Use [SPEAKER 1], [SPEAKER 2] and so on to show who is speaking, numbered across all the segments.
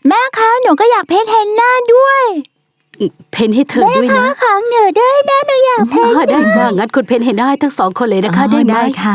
[SPEAKER 1] แม่คะหนูก็อยากเพ้นเฮนน่าด้วย
[SPEAKER 2] เพ้นให้เธอด้วยนะ
[SPEAKER 1] แม่คะของหนูด้วยนะหนูอยากเพ้น
[SPEAKER 2] ได้จ้างั้นคุณเพ้นให้ได้ทั้ง2 คนเลยนะคะได้ไหม
[SPEAKER 1] ได้ค่ะ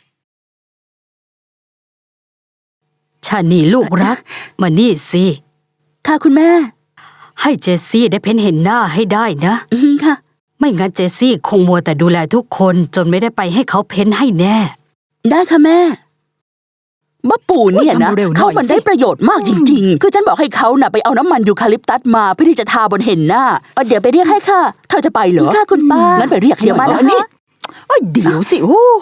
[SPEAKER 2] ชานีลูกรักมานี่สิ
[SPEAKER 1] ค่ะคุณแม่
[SPEAKER 2] ให้เจสซี่ได้เพ้นเห็นหน้าให้ได้นะ
[SPEAKER 1] ค่ะ
[SPEAKER 2] ไม่งั้นเจสซี่คงมัวแต่ดูแลทุกคนจนไม่ได้ไปให้เขาเพ้นให้แน่
[SPEAKER 1] ได้ค่ะแม่บ้าปู่เนี่ยนะเขามันได้ประโยชน์มากจริงๆคือฉันบอกให้เขาน่ะไปเอาน้ำมันยูคาลิปตัสมาเพื่อที่จะทาบนเห็นหน้าเดี๋ยวไปเรียกให้ค่ะเธอจะไปเหรอค่ะคุณป้างั้นไปเรียกเดี๋ยวมาแล้วนี่เดี๋ยวสิโอ้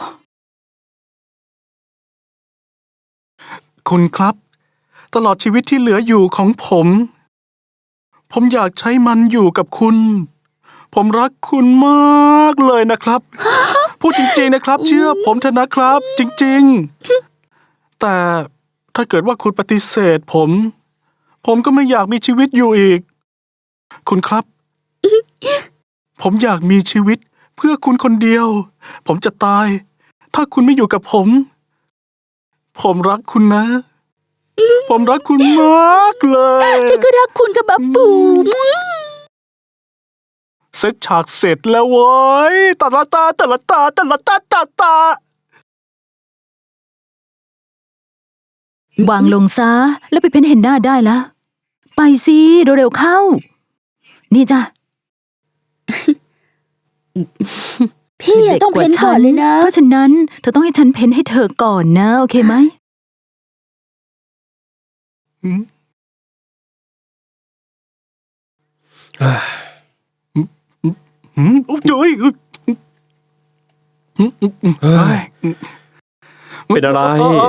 [SPEAKER 3] คุณครับตลอดชีวิตที่เหลืออยู่ของผมอยากใช้มันอยู่กับคุณผมรักคุณมากเลยนะครับพูดจริงๆนะครับเชื่อผมเถอะนะครับจริงๆแต่ถ้าเกิดว่าคุณปฏิเสธผมก็ไม่อยากมีชีวิตอยู่อีกคุณครับผมอยากมีชีวิตเพื่อคุณคนเดียวผมจะตายถ้าคุณไม่อยู่กับผมรักคุณนะผมรักคุณมากเลย
[SPEAKER 1] ฉันก็รักคุณกับบ้าปู่
[SPEAKER 3] เซตฉากเสร็จแล้วเว้ยตาตา
[SPEAKER 1] วางลงซะแล้วไปเพ้นเห็นหน้าได้แล้วไปสิเร็วๆเข้านี่จ้ะพี่ต้องเพ้นก่อนเลยนะเพราะฉะนั้นเธอต้องให้ฉันเพ้นให้เธอก่อนนะโอเคไหม
[SPEAKER 3] จุ๊ย
[SPEAKER 4] เป็นอะไร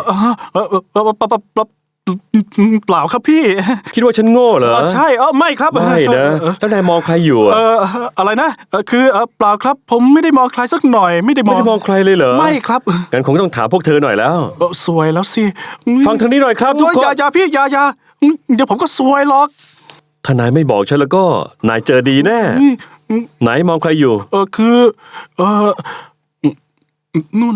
[SPEAKER 3] เปล่าครับพี่
[SPEAKER 4] คิดว่าฉันโง่เหรอ
[SPEAKER 3] ใช่ไม่ครับ
[SPEAKER 4] ไม่นะแล้วนายมองใครอยู่
[SPEAKER 3] อะไรนะคือเปล่าครับผมไม่ได้มองใครสักหน่อยไม่ได้มอง
[SPEAKER 4] ใครเลยเหรอ
[SPEAKER 3] ไม่ครับ
[SPEAKER 4] งั้นคงต้องถามพวกเธอหน่อยแล้ว
[SPEAKER 3] สวยแล้วสิ
[SPEAKER 4] ฟังทางนี้หน่อยครับทุกคน
[SPEAKER 3] อย่าพี่อย่าเดี๋ยวผมก็สวยหรอก
[SPEAKER 4] ถ้านายไม่บอกฉันแล้วก็นายเจอดีแน่ไหนมองใครอยู่
[SPEAKER 3] คือนู่น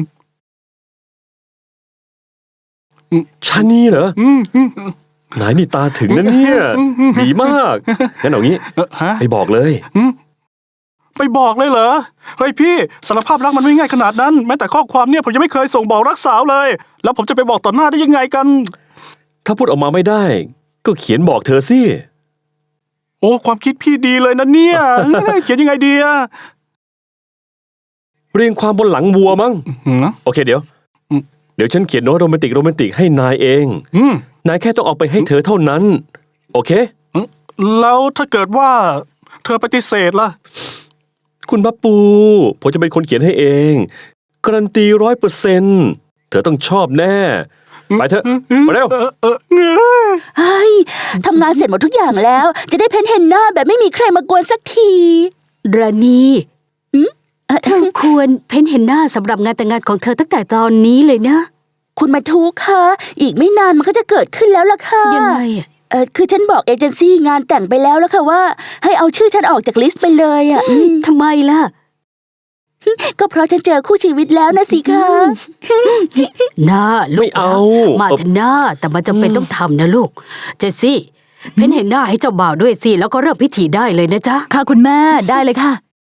[SPEAKER 4] ชานีเหรอนายนี่ตาถึงนะเนี่ยดีมากงั้นเอางี้ไปบอกเลย
[SPEAKER 3] ไปบอกเลยเหรอเฮ้ยพี่สารภาพรักมันไม่ง่ายขนาดนั้นแม้แต่ข้อความเนี่ยผมยังไม่เคยส่งบอกรักสาวเลยแล้วผมจะไปบอกต่อหน้าได้ยังไงกัน
[SPEAKER 4] ถ้าพูดออกมาไม่ได้ก็เขียนบอกเธอสิ
[SPEAKER 3] โอ้ความคิดพี่ดีเลยนะเนี่ยเขียนยังไงดีอะ
[SPEAKER 4] เรียงความบนหลังวัวมั้งโอเคเดี๋ยวฉันเขียนโน้ตโรแมนติกให้นายเองนายแค่ต้องเอาไปให้เธอเท่านั้นโอเค
[SPEAKER 3] แล้วถ้าเกิดว่าเธอปฏิเสธล่ะ
[SPEAKER 4] คุณบับปูผมจะเป็นคนเขียนให้เองการันตี100%เธอต้องชอบแน่ไปเถอะมาเร็ว
[SPEAKER 1] เฮ้ยทำงานเสร็จหมดทุกอย่างแล้วจะได้เพ้นเห็นหน้าแบบไม่มีใครมากวนสักที
[SPEAKER 2] ราณีเธอควรเพ้นเห็นหน้าสำหรับงานแต่งงานของเธอตั้งแต่ตอนนี้เลยนะ
[SPEAKER 1] คุณมาทุกค่ะอีกไม่นานมันก็จะเกิดขึ้นแล้วล่ะค่ะ
[SPEAKER 2] ยังไง
[SPEAKER 1] คือฉันบอกเอเจนซี่งานแต่งไปแล้วค่ะว่าให้เอาชื่อฉันออกจากลิสต์ไปเลย
[SPEAKER 2] ทำไมล่ะ
[SPEAKER 1] ก็เพราะฉันเจอคู่ชีวิตแล้วนะสิคะ
[SPEAKER 2] หน้าลูกมาเถอะหน้าแต่มันจำเป็นต้องทำนะลูกเจสซี่เพ้นเห็นหน้าให้เจ้าบ่าวด้วยสิแล้วก็เริ่มพิธีได้เลยนะจ๊ะ
[SPEAKER 1] ค่ะคุณแม่ได้เลยค่ะ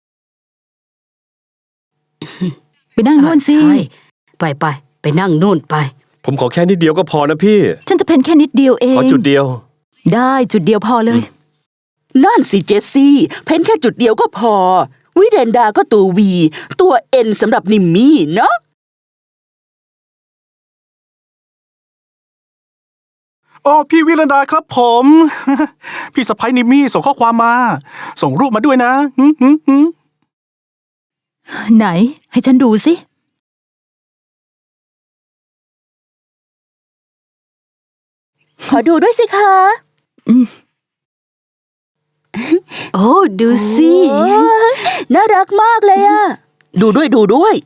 [SPEAKER 1] ไปนั่งนู่นสิ
[SPEAKER 2] ไปนั่งนู่นไป
[SPEAKER 4] ผมขอแค่นิดเดียวก็พอนะพี่
[SPEAKER 1] ฉันจะเพ้นแค่นิดเดียวเอง
[SPEAKER 4] ขอจุดเดียว
[SPEAKER 1] ได้จุดเดียวพอเลยนั่นสิเจสซี่เพ้นแค่จุดเดียวก็พอวิเรนดาก็ตัววีตัวเอ็นสำหรับนิมมี่เนาะ
[SPEAKER 3] พี่วิเรนดาครับผมพี่สะใภ้นิมมี่ส่งข้อความมาส่งรูปมาด้วยนะ
[SPEAKER 1] ไหนให้ฉันดูสิขอดูด้วยสิคะ
[SPEAKER 2] โอ้ดูสิ
[SPEAKER 1] น่ารักมากเลยอะดูด้วย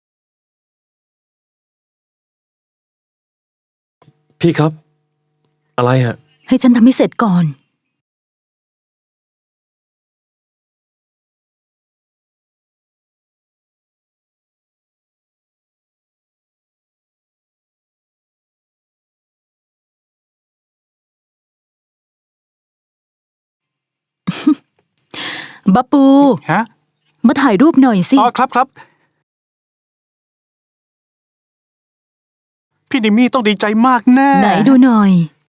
[SPEAKER 4] พี่ครับอะไรอะ
[SPEAKER 5] ให้ฉันทำให้เสร็จก่อน บับปู
[SPEAKER 3] ฮะ
[SPEAKER 5] มาถ่ายรูปหน่อยสิ
[SPEAKER 3] อ๋อครับ พี่นิมมี่ต้องดีใจมากแน่
[SPEAKER 5] ไหนดูหน่อย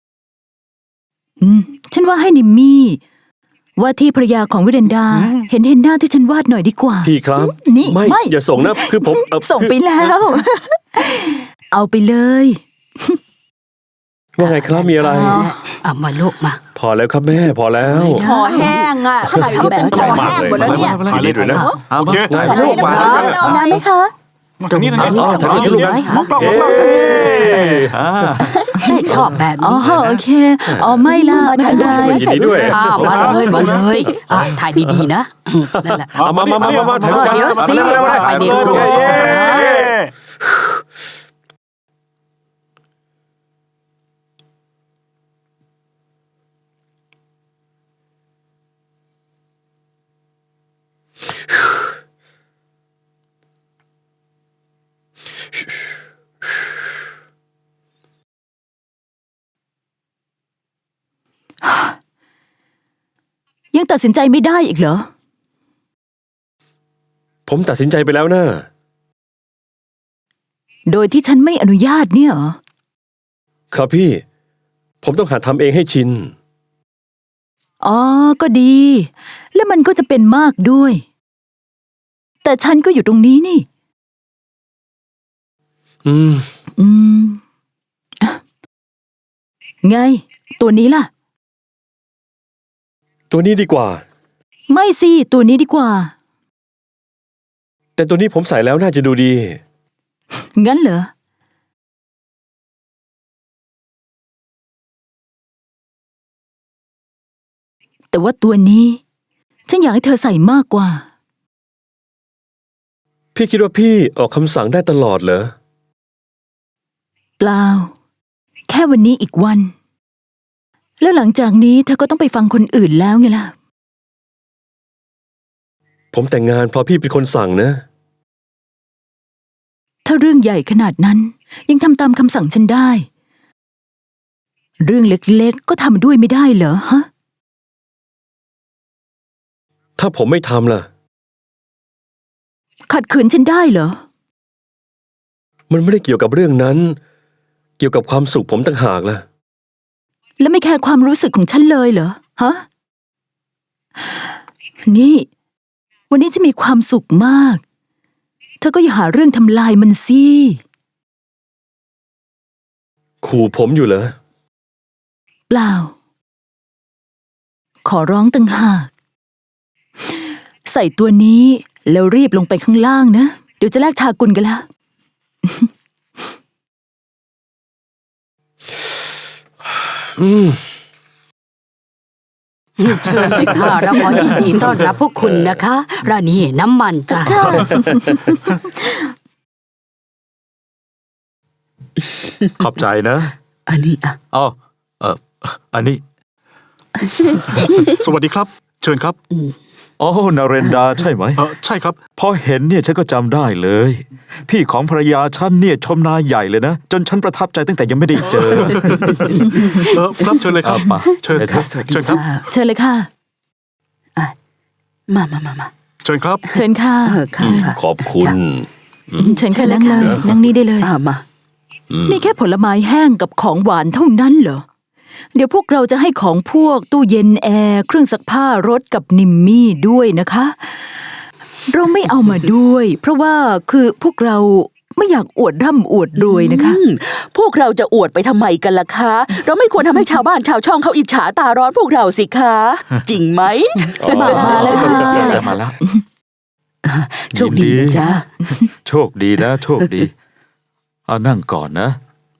[SPEAKER 5] ฉันว่าให้นิมมี่ว่าที่ภรรยาของวิเรนดา เห็นหน้าที่ฉันวาดหน่อยดีกว่า
[SPEAKER 4] พี่ครับ
[SPEAKER 5] นี่ไม่
[SPEAKER 4] อย่าส่งนะคือผม
[SPEAKER 5] ส่งไปแล้ว เอาไปเลย
[SPEAKER 4] ว่าไงครับมีอะไร
[SPEAKER 2] เอามาลูกมา
[SPEAKER 4] พอแล้วครับแม่พอแล้ว
[SPEAKER 1] คอแห้งอ่ะถ่ายรูปจนคอแห้งหมดแล้วเนี่ย
[SPEAKER 4] ถ่ายด้วยนะ
[SPEAKER 3] โอเค
[SPEAKER 4] ถ่าย
[SPEAKER 1] ถ่าย
[SPEAKER 4] รู
[SPEAKER 1] รู
[SPEAKER 4] ป
[SPEAKER 1] ป
[SPEAKER 4] มา
[SPEAKER 1] ได้ไหมคะ
[SPEAKER 3] มาทางนี้นะ
[SPEAKER 4] อ๋อถ่ายรูป
[SPEAKER 3] มองกล้อง
[SPEAKER 4] เอ๊
[SPEAKER 3] มองกล้อง
[SPEAKER 2] แม่ชอบแบบ
[SPEAKER 5] อ๋อ
[SPEAKER 2] นี้
[SPEAKER 5] โอเค อ๋อไม่ละไม่เป็นไร
[SPEAKER 4] ยินดีด้วย
[SPEAKER 2] อ้าวมาเลยมาเลยถ่ายดีๆนะนั่นแหละ
[SPEAKER 4] เอามาถ่ายรูปกัน
[SPEAKER 2] เดี๋ยวสิ ไปเดี๋ยว
[SPEAKER 5] ยังตัดสินใจไม่ได้อีกเหรอ
[SPEAKER 4] ผมตัดสินใจไปแล้วนะ
[SPEAKER 5] โดยที่ฉันไม่อนุญาตเนี่ยเหรอ
[SPEAKER 4] ครับพี่ ผมต้องหัดทำเองให้ชิน
[SPEAKER 5] อ๋อ ก็ดี แล้วมันก็จะเป็นมากด้วย แต่ฉันก็อยู่ตรงนี้นี่
[SPEAKER 4] อืม
[SPEAKER 5] อืมอ่ะไง ตัวนี้ล่ะ
[SPEAKER 4] ตัวนี้ดีกว่า
[SPEAKER 5] ไม่สิ ตัวนี้ดีกว่า
[SPEAKER 4] แต่ตัวนี้ผมใส่แล้วน่าจะดูดี
[SPEAKER 5] งั้นเหรอ แต่ว่าตัวนี้ ฉันอยากให้เธอใส่มากกว่า
[SPEAKER 4] พี่คิดว่าพี่ออกคำสั่งได้ตลอดเหรอ
[SPEAKER 5] เปล่า แค่วันนี้อีกวัน แล้วหลังจากนี้เธอก็ต้องไปฟังคนอื่นแล้วไงล่ะ
[SPEAKER 4] ผมแต่งงานเพราะพี่เป็นคนสั่งนะ
[SPEAKER 5] ถ้าเรื่องใหญ่ขนาดนั้น ยังทำตามคำสั่งฉันได้ เรื่องเล็กๆก็ทำด้วยไม่ได้เหรอฮะ
[SPEAKER 4] ถ้าผมไม่ทำล่ะ
[SPEAKER 5] ขัดขืนฉันได้เหรอ
[SPEAKER 4] มันไม่ได้เกี่ยวกับเรื่องนั้น เกี่ยวกับความสุขผมต่างหากล่ะ
[SPEAKER 5] แล้วไม่แคร์ความรู้สึกของฉันเลยเหรอฮะ นี่ วันนี้จะมีความสุขมาก เธอก็อย่าหาเรื่องทำลายมันสิ
[SPEAKER 4] ขู่ผมอยู่เหรอ
[SPEAKER 5] เปล่า ขอร้องต่างหาก ใส่ตัวนี้แล้วรีบลงไปข้างล่างนะ เดี๋ยวจะแลกชากุลกันละ
[SPEAKER 4] อืม
[SPEAKER 2] เชิญเลยค่ะเราขอยินดีต้อนรับพวกคุณนะคะร้านนี้น้ำมันจ้ะ
[SPEAKER 6] ขอบใจนะ
[SPEAKER 1] อันนี้อ่ะ
[SPEAKER 6] อ๋ออันนี้
[SPEAKER 3] สวัสดีครับ เชิญครับ
[SPEAKER 6] อ๋อนาเรนดาใช่ไหม
[SPEAKER 3] ใช่ครับ
[SPEAKER 6] พอเห็นเนี่ยฉันก็จำได้เลย พี่ของภรรยาฉันเนี่ยชมนายใหญ่เลยนะ จนฉันประทับใจตั้งแต่ยังไม่ได้เจอ
[SPEAKER 3] ครับเชิญเลยครับ
[SPEAKER 6] มา
[SPEAKER 3] เชิญ
[SPEAKER 6] เดี๋ยว
[SPEAKER 3] ครับ
[SPEAKER 6] สวัสดี
[SPEAKER 3] เชิญครับ
[SPEAKER 5] เชิญเลยค่ะ
[SPEAKER 1] มา
[SPEAKER 3] เชิญครับ
[SPEAKER 5] เชิญค่ะ
[SPEAKER 1] ค่ะค่ะ
[SPEAKER 4] ขอบคุณ
[SPEAKER 5] เชิญค่ะนั่งเลยนั่งนี่ได้เลย
[SPEAKER 1] มา
[SPEAKER 5] มีแค่ผลไม้แห้งกับของหวานเท่านั้นเหรอ เดี๋ยวพวกเราจะให้ของพวกตู้เย็นแอร์เครื่องซักผ้ารถกับนิมมี่ด้วยนะคะ เราไม่เอามาด้วย เพราะว่าคือพวกเราไม่อยากอวดร่ำอวดรวยนะคะ
[SPEAKER 1] พวกเราจะอวดไปทำไมกันล่ะคะ เราไม่ควรทำให้ชาวบ้านชาวช่องเขาอิจฉาตาร้อนพวกเราสิคะ จริงไหม
[SPEAKER 5] จะมาแล้วค่ะ
[SPEAKER 6] มาแล้ว
[SPEAKER 1] โชคดีนะจ๊ะ
[SPEAKER 6] โชคดีนะ โชคดีเอานั่งก่อนนะ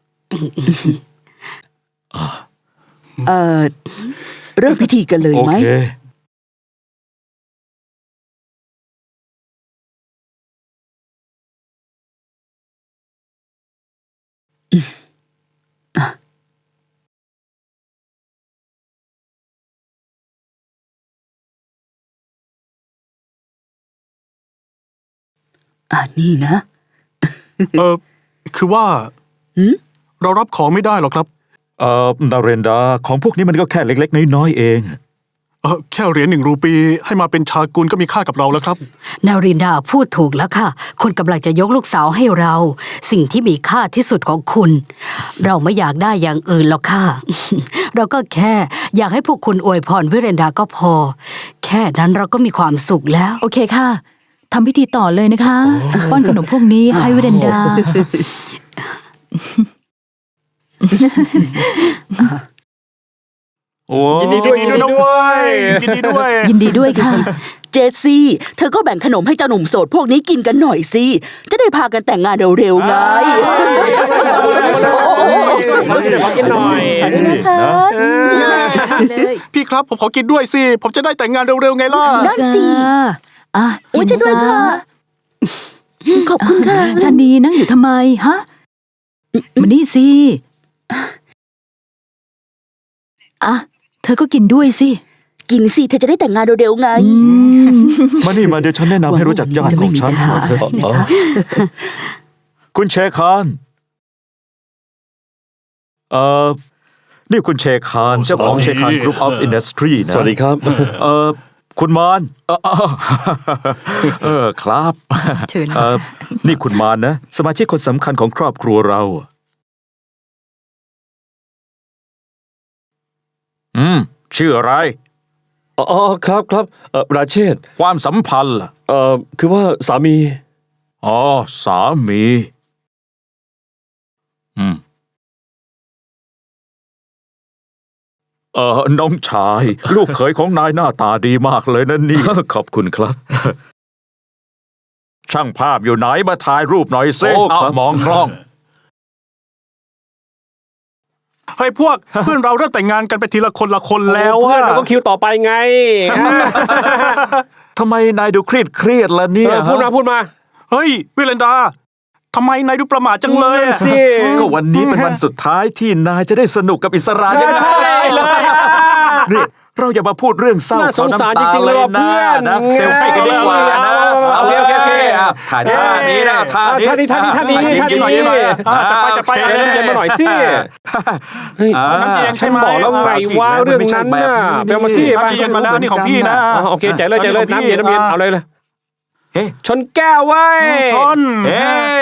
[SPEAKER 1] เริ่มพิธีกันเลย
[SPEAKER 6] โอ
[SPEAKER 1] ไหม
[SPEAKER 6] เค
[SPEAKER 1] นี่นะ
[SPEAKER 3] คือว่า
[SPEAKER 1] หืม
[SPEAKER 3] เรารับของไม่ได้หรอกครับ
[SPEAKER 6] นาเรนดาของพวกนี้มันก็แค่เล็กๆน้อยๆเอง
[SPEAKER 3] แค่เหรียญ1 รูปีให้มาเป็นชากุลก็มีค่ากับเราแล้วครับ
[SPEAKER 2] นารินดาพูดถูกแล้วค่ะ คุณกำลังจะยกลูกสาวให้เรา สิ่งที่มีค่าที่สุดของคุณ เราไม่อยากได้อย่างอื่นหรอกค่ะ เราก็แค่อยากให้พวกคุณอวยพรวิเรนดาก็พอ แค่นั้นเราก็มีความสุขแล้ว
[SPEAKER 5] โอเคค่ะทำพิธีต่อเลยนะคะ ป้อนขนมพวกนี้ให้วิเรนดา
[SPEAKER 6] โอ้
[SPEAKER 4] ยินดีด้วย
[SPEAKER 3] ยินดีด้วย ยินดีด้วย
[SPEAKER 5] ยินดีด้วยค่ะ
[SPEAKER 1] เจสซี่เธอก็แบ่งขนมให้เจ้าหนุ่มโสดพวกนี้กินกันหน่อยสิ จะได้พากันแต่งงานเร็วๆไง
[SPEAKER 4] กินหน่อย
[SPEAKER 1] ใช่นะคะ
[SPEAKER 2] เลย
[SPEAKER 3] พี่ครับผมขอกินด้วยสิ ผมจะได้แต่งงานเร็วๆไงล่ะ
[SPEAKER 1] นั่นสิ
[SPEAKER 5] จ้าอ่ะ
[SPEAKER 1] โอ้ย
[SPEAKER 5] กิน
[SPEAKER 1] จะด้วย
[SPEAKER 5] ซ
[SPEAKER 1] ค่ะ ขอบคุณค่ะ
[SPEAKER 5] ชานีนั่งอยู่ทำไมฮะมานี่สิอ่ะเธอก็กินด้วยสิ
[SPEAKER 1] กินสิเธอจะได้แต่งงานเร็วๆไง
[SPEAKER 6] มานี่มาเดี๋ยวฉันแนะนำให้รู้จักญาติของฉัน
[SPEAKER 1] จะไม่มี
[SPEAKER 6] เถอะ
[SPEAKER 1] ปัญหา
[SPEAKER 6] คุณเชคานนี่คุณเชคานเจ้าของเชคานกรุ๊ปออฟอินดัสทรีนะ
[SPEAKER 4] สวัสดีครับ
[SPEAKER 6] คุณมานครับ
[SPEAKER 5] เชิญ
[SPEAKER 6] นี่คุณมานนะ สมาชิกคนสำคัญของครอบครัวเรา ชื่ออะไร
[SPEAKER 4] อ๋อครับครับราเชษฐ์
[SPEAKER 6] ความสัมพันธ์ล่ะ
[SPEAKER 4] คือว่าสามี
[SPEAKER 6] อ๋อ สามี น้องชาย ลูกเขยของนายหน้าตาดีมากเลยนะนี่ ขอบคุณครับ ช่างภาพอยู่ไหนมาถ่ายรูปหน่อยสิ
[SPEAKER 4] โอ้ครับ
[SPEAKER 6] มองกล้อง
[SPEAKER 3] เฮ้ยพวก เพื่อนเราเริ่มแต่งงานกันไปทีละคนละคนแล้ว
[SPEAKER 4] เพื่
[SPEAKER 3] อะ
[SPEAKER 4] อนเราก็คิวต่อไปไง
[SPEAKER 6] ทำไมนายดูเครียดล่ะเนี่ย
[SPEAKER 4] พูดมาพูดมา
[SPEAKER 3] เฮ้ยวิเลนดาทำไมนายดูประหม่าจังเลยอะ
[SPEAKER 4] สิ
[SPEAKER 6] ก็วันนี้เป็นวันสุดท้ายที่นายจะได้สนุกกับอิสราใช่ไหม
[SPEAKER 4] ใช่เลย
[SPEAKER 6] นี่เราอย่ามาพูดเรื่องเศร้า
[SPEAKER 4] น่าสงสารจริงๆเลยว่ะ
[SPEAKER 6] นะ
[SPEAKER 4] เพื่อน
[SPEAKER 6] นะเซลฟี่กันดีกว่านะ
[SPEAKER 4] โอเคโอเคโอเค
[SPEAKER 6] ถ่ายท่านี้นะท่านี้
[SPEAKER 4] ท่านี้ท่านี้ท่านี้
[SPEAKER 6] ยิ้มหน่อย
[SPEAKER 3] จะไป
[SPEAKER 4] เย็นมาหน่อยสิเฮ้ย
[SPEAKER 3] น้ำเย็น
[SPEAKER 4] ฉันบอกแล้วไงว่าเรื่องนั้นน่ะไปเอามาสิไป
[SPEAKER 3] น้ำเย็นมาแล้วนี่ของพี่นะ
[SPEAKER 4] โอเคใจเลยใจเลยน้ำเย็นเอาเลยเลย
[SPEAKER 6] เฮ้
[SPEAKER 4] ชนแก้วไว้
[SPEAKER 3] ชน
[SPEAKER 6] เฮ้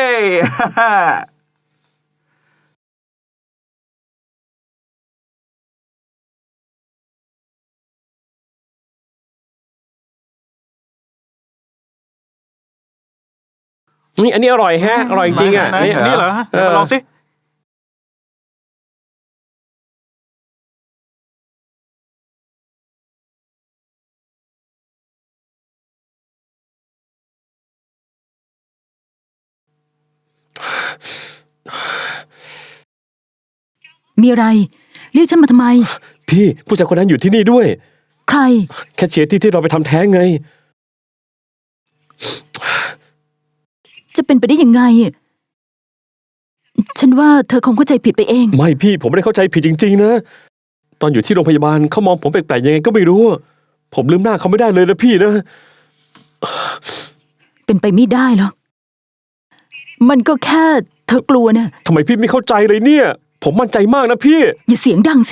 [SPEAKER 4] นี่อันนี้อร่อยแฮะอร่อยจริงๆอ่ะ
[SPEAKER 3] ไหนนี่เหรอเดี๋ยวมาลองสิ
[SPEAKER 5] มีอะไร เรียกฉันมาทำไม
[SPEAKER 4] พี่ผู้ชายคนนั้นอยู่ที่นี่ด้วย
[SPEAKER 5] ใคร
[SPEAKER 4] แคชเชียร์ที่เราไปทำแท้งไง
[SPEAKER 5] จะเป็นไปได้ยังไง ฉันว่าเธอคงเข้าใจผิดไปเอง
[SPEAKER 4] ไม่พี่ผมไม่ได้เข้าใจผิดจริงๆนะ ตอนอยู่ที่โรงพยาบาลเขามองผมแปลกๆยังไงก็ไม่รู้ ผมลืมหน้าเขาไม่ได้เลยนะพี่นะ
[SPEAKER 5] เป็นไปไม่ได้หรอก มันก็แค่เธอกลัวนะ
[SPEAKER 4] ทำไมพี่ไม่เข้าใจเลยเนี่ย ผมมั่นใจมากนะพี่
[SPEAKER 5] อย่าเสียงดังสิ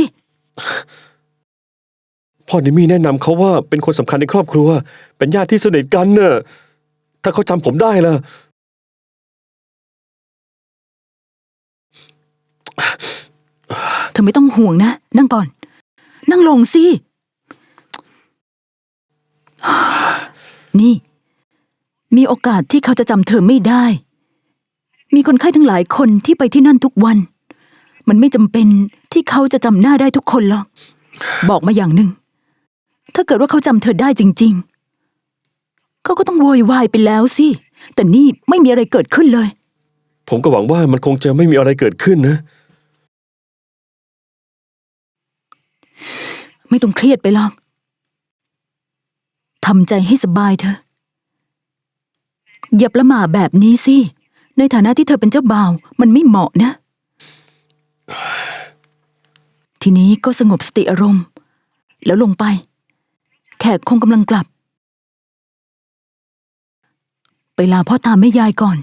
[SPEAKER 4] พ่อนิมี่แนะนำเขาว่าเป็นคนสำคัญในครอบครัว เป็นญาติที่สนิทกันเน่ะถ้าเขาจำผมได้ล่ะ
[SPEAKER 5] เธอไม่ต้องห่วงนะ นั่งก่อน นั่งลงสิ นี่ มีโอกาสที่เขาจะจำเธอไม่ได้ มีคนไข้ทั้งหลายคนที่ไปที่นั่นทุกวัน มันไม่จำเป็นที่เขาจะจำหน้าได้ทุกคนหรอก บอกมาอย่างหนึ่ง ถ้าเกิดว่าเขาจำเธอได้จริงๆ เขาก็ต้องโวยวายไปแล้วสิ แต่นี่ไม่มีอะไรเกิดขึ้นเลย
[SPEAKER 4] ผมก็หวังว่ามันคงจะไม่มีอะไรเกิดขึ้นนะ
[SPEAKER 5] ไม่ต้องเครียดไปหรอก ทำใจให้สบายเถอะ อย่าประหม่าแบบนี้สิ ในฐานะที่เธอเป็นเจ้าบ่าว มันไม่เหมาะนะ ทีนี้ก็สงบสติอารมณ์ แล้วลงไป แขกคงกำลังกลับไปลาพ่อตาแม่ยายก่อน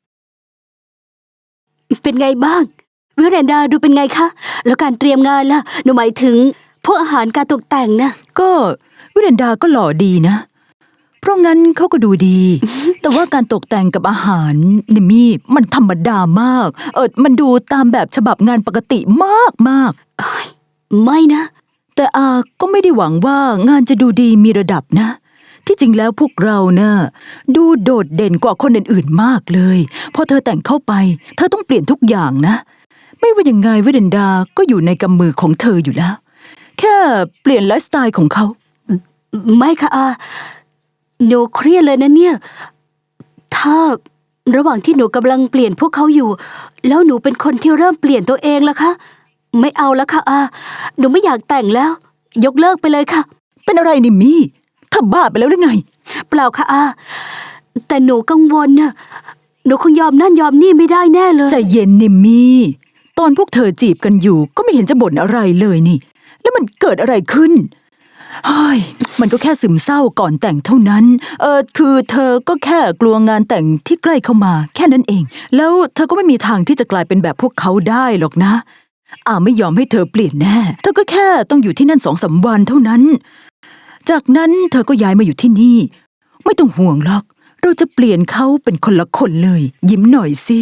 [SPEAKER 2] เป็นไงบ้างวิเรนดาดูเป็นไงคะแล้วการเตรียมงานล่ะหนูหมายถึงพวกอาหารการตกแต่งนะ
[SPEAKER 5] ก็วิเรนดาก็หล่อดีนะ เพราะงั้นเขาก็ดูดี แต่ว่าการตกแต่งกับอาหารนิมมี่มันธรรมดามาก มันดูตามแบบฉบับงานปกติมากมาก
[SPEAKER 2] ไม่นะ
[SPEAKER 5] แต่อาก็ไม่ได้หวังว่างานจะดูดีมีระดับนะ ที่จริงแล้วพวกเรานะ่ะดูโดดเด่นกว่าคนอื่นๆมากเลยพอเธอแต่งเข้าไป เธอต้องเปลี่ยนทุกอย่างนะ ไม่ว่ายังไงวิเดนดาก็อยู่ในกำมือของเธออยู่แล้ว แค่เปลี่ยนไลฟ์สไตล์ของเขา
[SPEAKER 2] ไม่ค่ะอาหนูเครียดเลยนะเนี่ย ถ้าระหว่างที่หนูกำลังเปลี่ยนพวกเขาอยู่ แล้วหนูเป็นคนที่เริ่มเปลี่ยนตัวเองล่ะคะไม่เอาแล้วค่ะอาหนูไม่อยากแต่งแล้ว ยกเลิกไปเลยค่ะ
[SPEAKER 5] เป็นอะไรนิมมี่เธอบ้าไปแล้วหรือไง
[SPEAKER 2] เปล่าค่ะอาแต่หนูกังวลน่ะหนูคงยอมนั่นยอมนี่ไม่ได้แน่เลย
[SPEAKER 5] ใจเย็นนิมมี่ตอนพวกเธอจีบกันอยู่ก็ไม่เห็นจะบ่นอะไรเลยนี่ แล้วมันเกิดอะไรขึ้นเฮ้ยมันก็แค่ซึมเศร้าก่อนแต่งเท่านั้น คือเธอก็แค่กลัวงานแต่งที่ใกล้เข้ามาแค่นั้นเอง แล้วเธอก็ไม่มีทางที่จะกลายเป็นแบบพวกเขาได้หรอกนะไม่ยอมให้เธอเปลี่ยนแน่เธอก็แค่ต้องอยู่ที่นั่น2-3 วันเท่านั้น จากนั้นเธอก็ย้ายมาอยู่ที่นี่ ไม่ต้องห่วงหรอกเราจะเปลี่ยนเขาเป็นคนละคนเลย ยิ้มหน่อยสิ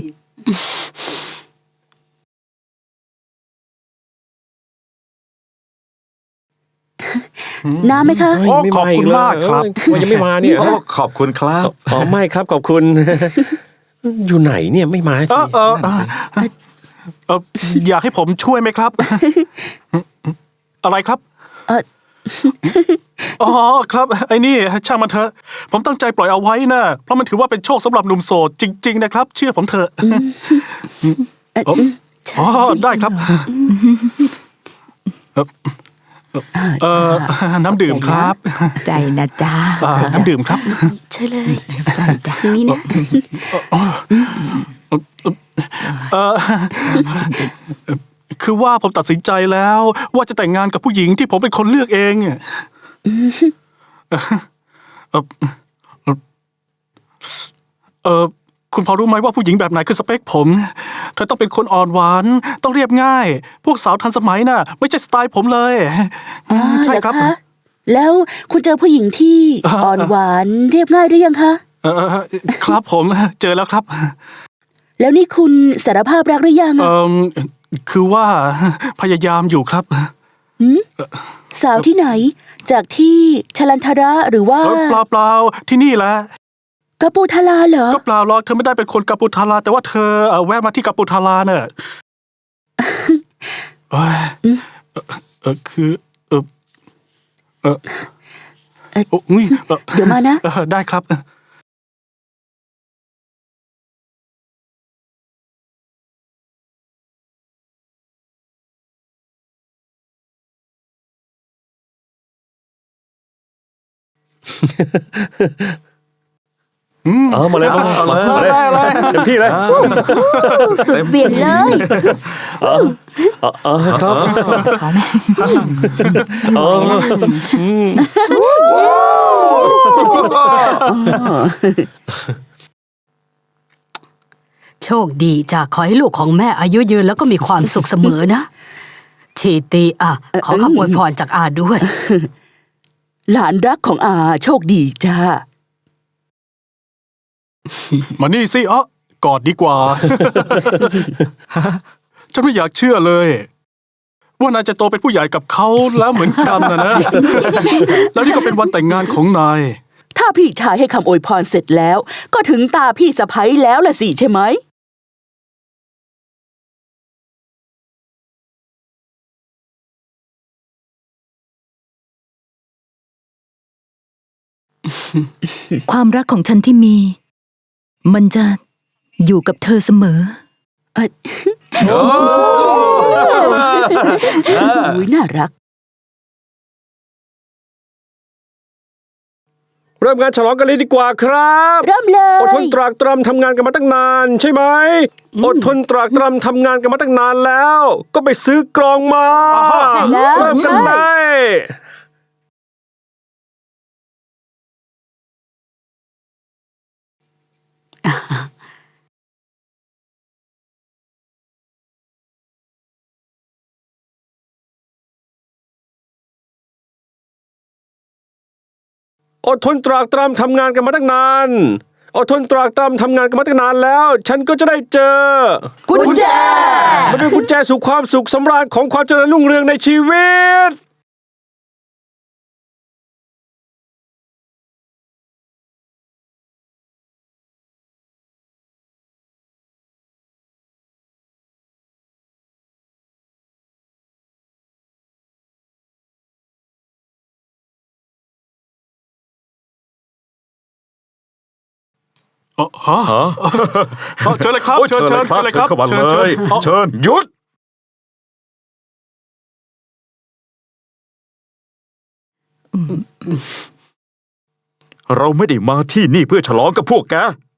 [SPEAKER 1] น้ำไหมคะ
[SPEAKER 4] เฮ้ยไม่
[SPEAKER 3] ขอบคุณ
[SPEAKER 4] เลย
[SPEAKER 3] มากครับ
[SPEAKER 4] ว่ายังไม่มาเนี่ย
[SPEAKER 6] โอ้ขอบคุณครับ
[SPEAKER 4] อ๋อไม่ครับขอบคุณ อยู่ไหนเนี่ยไม่มา
[SPEAKER 3] เอ
[SPEAKER 4] ที
[SPEAKER 3] อเออเออเอออยากให้ผมช่วยไหมครับ อะไรครับ
[SPEAKER 1] เอ่อ
[SPEAKER 3] อ๋อครับ ไอ้นี่ช่างมันเถอะ ผมตั้งใจปล่อยเอาไว้นะเพราะมันถือว่าเป็นโชคสำหรับหนุ่มโสดจริง ๆ นะครับ เชื่อผมเถอะอ๋อได้ครับเออน้ำดื่มครับ
[SPEAKER 5] ใจนะจ๊ะ
[SPEAKER 3] น้ำดื่มครับ
[SPEAKER 2] ใช่เลย
[SPEAKER 5] ใจจ้ะ
[SPEAKER 2] นี่นะ
[SPEAKER 3] เออคือว่าผมตัดสินใจแล้ว ว่าจะแต่งงานกับผู้หญิงที่ผมเป็นคนเลือกเองคุณพอรู้ไหมว่าผู้หญิงแบบไหนคือสเปคผมเธอต้องเป็นคนอ่อนหวานต้องเรียบง่าย พวกสาวทันสมัยน่ะ ไม่ใช่สไตล์ผมเลยใช่ครับ
[SPEAKER 1] เหอคะแล้วคุณเจอผู้หญิงที่อ่อนหวานเรียบง่ายหรือยังคะ
[SPEAKER 3] ครับผมเจอแล้วครับ
[SPEAKER 1] แล้วนี่คุณสารภาพรักหรือยังอะ
[SPEAKER 3] คือว่าพยายามอยู่ครับ
[SPEAKER 1] สาวที่ไหน จากที่ชลันทระหรือว่า
[SPEAKER 3] เปล่าที่นี่แหละ
[SPEAKER 1] กาปูทาลาเหรอ
[SPEAKER 3] ก็เปล่าหรอกเธอไม่ได้เป็นคนกัปปุทาราแต่ว่าเธอแวะมาที่กัปปุทาราเนอะเอ้ยคืออุ๊ย
[SPEAKER 1] เดี๋ยวมานะ
[SPEAKER 3] ได้ครับ
[SPEAKER 4] เอามาเลยมาเลยเต็มที่เลย
[SPEAKER 2] สุดเบี่ยงเลย
[SPEAKER 4] ครับ
[SPEAKER 5] เขาไหม
[SPEAKER 2] โชคดีจ้ะขอให้ลูกของแม่อายุยืนแล้วก็มีความสุขเสมอนะชีตีขอคำอวยพรจากอาด้วย
[SPEAKER 1] หลานรักของอาโชคดีจ้า
[SPEAKER 3] มานี่สิกอดดีกว่า ฉันไม่อยากเชื่อเลย ว่านายจะโตเป็นผู้ใหญ่กับเขาแล้วเหมือนกันนะ แล้วนี่ก็เป็นวันแต่งงานของนาย
[SPEAKER 1] ถ้าพี่ชายให้คำอวยพรเสร็จแล้ว ก็ถึงตาพี่สะใภ้แล้วล่ะสิใช่ไหม
[SPEAKER 5] ความรักของฉันที่มี มันจะอยู่กับเธอเสมอ
[SPEAKER 1] อุ้ยน่ารัก
[SPEAKER 4] เริ่มงานฉลองกันเลยดีกว่าครับ
[SPEAKER 1] เริ่มเล
[SPEAKER 4] อดทน
[SPEAKER 1] ย
[SPEAKER 4] ตรากตรำทำงานกันมาตั้งนานใช่ไหมอดทนตรากตรำทำงานกันมาตั้งนานแล้ว ก็ไปซื้อกลองมา
[SPEAKER 2] ใช่แล้ว
[SPEAKER 4] เริ่มกัน
[SPEAKER 2] ใช่
[SPEAKER 4] ได้อดทนตรากตรำทำงานกันมาตั้งนานอดทนตรากตรำทำงานกันมาตั้งนานแล้ว ฉันก็จะได้เจอ
[SPEAKER 1] กุญแจ
[SPEAKER 4] มันเป็นกุญแจสู่ความสุขสำราญของความเจริญรุ่งเรืองในชีวิต
[SPEAKER 3] ฮะเชิญเลยครับ
[SPEAKER 6] โอ้ย
[SPEAKER 3] เชิญ
[SPEAKER 6] เชิญเลยครับ
[SPEAKER 3] เชิญ
[SPEAKER 6] เข้ามา
[SPEAKER 3] เชิ
[SPEAKER 6] เล
[SPEAKER 3] ญ
[SPEAKER 6] ย
[SPEAKER 3] อ๋อ
[SPEAKER 6] เชิญหยุด เราไม่ได้มาที่นี่เพื่อฉลองกับพวกแก